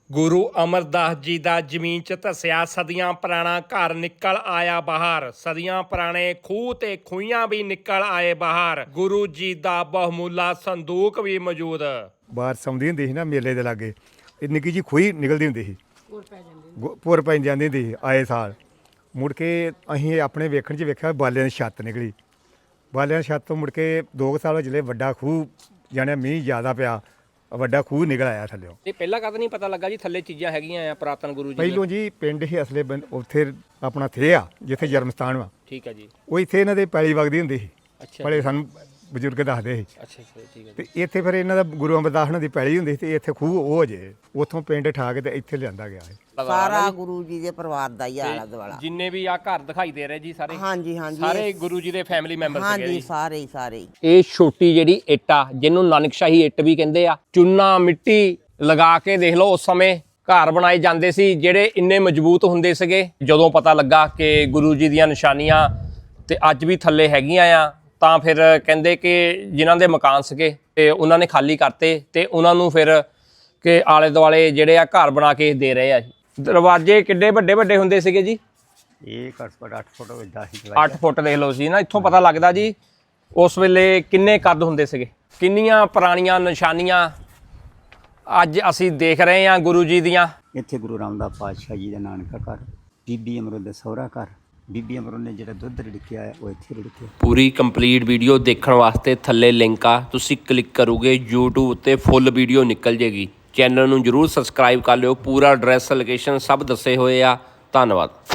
ਗੁਰੂ ਅਮਰਦਾਸ ਜੀ ਦਾ ਜ਼ਮੀਨ 'ਚ ਧੱਸਿਆ ਸਦੀਆਂ ਪੁਰਾਣਾ ਘਰ ਨਿਕਲ ਆਇਆ ਬਾਹਰ। ਸਦੀਆਂ ਪੁਰਾਣੇ ਖੂਹ ਤੇ ਖੂਹੀਆਂ ਵੀ ਨਿਕਲ ਆਏ ਬਾਹਰ। ਗੁਰੂ ਜੀ ਦਾ ਬਹੁਮੁੱਲਾ ਸੰਦੂਕ ਵੀ ਮੌਜੂਦ। ਬਾਰਿਸ਼ ਆਉਂਦੀ ਹੁੰਦੀ ਸੀ ਨਾ ਮੇਲੇ ਦੇ ਲਾਗੇ, ਇਹ ਨਿੱਕੀ ਜੀ ਖੂਹੀ ਨਿਕਲਦੀ ਹੁੰਦੀ ਸੀ, ਪੁਰ ਪੈ ਜਾਂਦੀ ਹੁੰਦੀ ਸੀ ਆਏ ਸਾਲ। ਮੁੜ ਕੇ ਅਸੀਂ ਆਪਣੇ ਵੇਖਣ 'ਚ ਵੇਖਿਆ ਬਾਲਿਆਂ ਦੀ ਛੱਤ ਨਿਕਲੀ। ਬਾਲਿਆਂ ਦੀ ਛੱਤ ਤੋਂ ਮੁੜ ਕੇ 2 ਸਾਲ ਹੋ ਚਲੇ, ਵੱਡਾ ਖੂਹ ਜਾਣਿਆ ਮੀਂਹ ਜ਼ਿਆਦਾ ਪਿਆ, ਵੱਡਾ ਖੂਹ ਨਿਕਲ ਆਇਆ ਥੱਲਿਓ। ਇਹ ਪਹਿਲਾਂ ਕਦ ਨਹੀਂ ਪਤਾ ਲੱਗਾ ਜੀ ਥੱਲੇ ਚੀਜ਼ਾਂ ਹੈਗੀਆਂ ਆ ਪੁਰਾਤਨ ਗੁਰੂ ਜੀ ਪਹਿਲੋਂ ਜੀ ਪਿੰਡ ਹੀ ਅਸਲੇ ਉੱਥੇ ਆਪਣਾ ਥੇ ਆ ਜਿੱਥੇ ਜਨਮ ਸਥਾਨ ਵਾ, ਠੀਕ ਹੈ ਜੀ। ਉਹ ਇੱਥੇ ਇਹਨਾਂ ਦੇ ਪੈਲੀ ਵਗਦੀ ਹੁੰਦੀ ਸੀ। ਅੱਛਾ ਬੜੇ ਸਾਨੂੰ ਬਜ਼ੁਰਗ ਦੱਸਦੇ ਸੀ। ਅੱਛਾ ਠੀਕ ਹੈ। ਤੇ ਇੱਥੇ ਫਿਰ ਇਹਨਾਂ ਦਾ ਗੁਰੂ ਅਮਰਦਾਸ ਉਹਨਾਂ ਦੀ ਪੈਲੀ ਹੁੰਦੀ ਸੀ ਤੇ ਇੱਥੇ ਖੂਹ ਉਹ ਜੇ ਉੱਥੋਂ ਪਿੰਡ ਠਾ ਕੇ ਤੇ ਇੱਥੇ ਲਿਆਂਦਾ ਗਿਆ ਹੈ। ਸਾਰਾ ਗੁਰੂ ਜੀ ਦੇ ਪਰਿਵਾਰ ਦਾ ਹੀ ਆਲਾ ਦੁਆਲਾ। ਜਿੰਨੇ ਵੀ ਆ ਘਰ ਦਿਖਾਈ ਦੇ ਰਹੇ ਜੀ ਸਾਰੇ, ਹਾਂਜੀ ਹਾਂਜੀ ਸਾਰੇ ਗੁਰੂ ਜੀ ਦੇ ਫੈਮਿਲੀ ਮੈਂਬਰ ਸੀਗੇ ਹਾਂਜੀ ਜੀ। ਸਾਰੇ ਇਹ ਛੋਟੀ ਜਿਹੜੀ ਇੱਟ ਆ ਜਿਹਨੂੰ ਨਾਨਕਸ਼ਾਹੀ ਇੱਟ ਵੀ ਕਹਿੰਦੇ ਆ, ਚੂਨਾ ਮਿੱਟੀ ਲਗਾ ਕੇ ਦੇਖ ਲਓ ਉਸ ਸਮੇਂ ਘਰ ਬਣਾਏ ਜਾਂਦੇ ਸੀ ਜਿਹੜੇ ਇੰਨੇ ਮਜ਼ਬੂਤ ਹੁੰਦੇ ਸੀਗੇ। ਜਦੋਂ ਪਤਾ ਲੱਗਾ ਕਿ ਗੁਰੂ ਜੀ ਦੀਆਂ ਨਿਸ਼ਾਨੀਆਂ ਤੇ ਅੱਜ ਵੀ ਥੱਲੇ ਹੈਗੀਆਂ ਆ, ਤਾਂ ਫਿਰ ਕਹਿੰਦੇ ਕਿ ਜਿਨ੍ਹਾਂ ਦੇ ਮਕਾਨ ਸੀਗੇ ਤੇ ਉਹਨਾਂ ਨੇ ਖਾਲੀ ਕਰਤੇ ਤੇ ਉਹਨਾਂ ਨੂੰ ਫਿਰ ਕਿ ਆਲੇ ਦੁਆਲੇ ਜਿਹੜੇ ਆ ਘਰ ਬਣਾ ਕੇ ਦੇ ਰਹੇ ਆ। ਦਰਵਾਜ਼ੇ ਕਿੱਡੇ ਵੱਡੇ ਵੱਡੇ ਹੁੰਦੇ ਸੀਗੇ ਜੀ? ਇਹ ਘੱਟ ਤੋਂ ਘੱਟ 8 ਫੁੱਟ ਵੱਡਾ ਸੀ। 8 ਫੁੱਟ ਦੇਖ ਲਓ ਸੀ ਨਾ, ਇੱਥੋਂ ਪਤਾ ਲੱਗਦਾ ਜੀ ਉਸ ਵੇਲੇ ਕਿੰਨੇ ਕੱਦ ਹੁੰਦੇ ਸੀਗੇ। ਕਿੰਨੀਆਂ ਪੁਰਾਣੀਆਂ ਨਿਸ਼ਾਨੀਆਂ ਅੱਜ ਅਸੀਂ ਦੇਖ ਰਹੇ ਹਾਂ ਗੁਰੂ ਜੀ ਦੀਆਂ। ਇੱਥੇ ਗੁਰੂ ਰਾਮਦਾਸ ਪਾਤਸ਼ਾਹ ਜੀ ਦਾ ਨਾਨਕਾ ਘਰ, ਬੀਬੀ ਅਮਰੋ ਦਾ ਸਹੁਰਾ ਘਰ। ਬੀਬੀ ਅਮਰੋ ਨੇ ਜਿਹੜਾ ਦੁੱਧ ਰਿੜਕਿਆ ਹੈ ਉਹ ਇੱਥੇ ਰਿੜਕਿਆ। ਪੂਰੀ ਕੰਪਲੀਟ ਵੀਡੀਓ ਦੇਖਣ ਵਾਸਤੇ ਥੱਲੇ ਲਿੰਕ ਆ, ਤੁਸੀਂ ਕਲਿੱਕ ਕਰੋਗੇ YouTube ਉੱਤੇ ਫੁੱਲ ਵੀਡੀਓ ਨਿਕਲ ਜੇਗੀ। ਚੈਨਲ ਨੂੰ ਜਰੂਰ ਸਬਸਕ੍ਰਾਈਬ ਕਰ ਲਿਓ, ਪੂਰਾ ਐਡਰੈਸ ਲੋਕੇਸ਼ਨ ਸਭ ਦੱਸੇ ਹੋਏ ਆ। ਧੰਨਵਾਦ।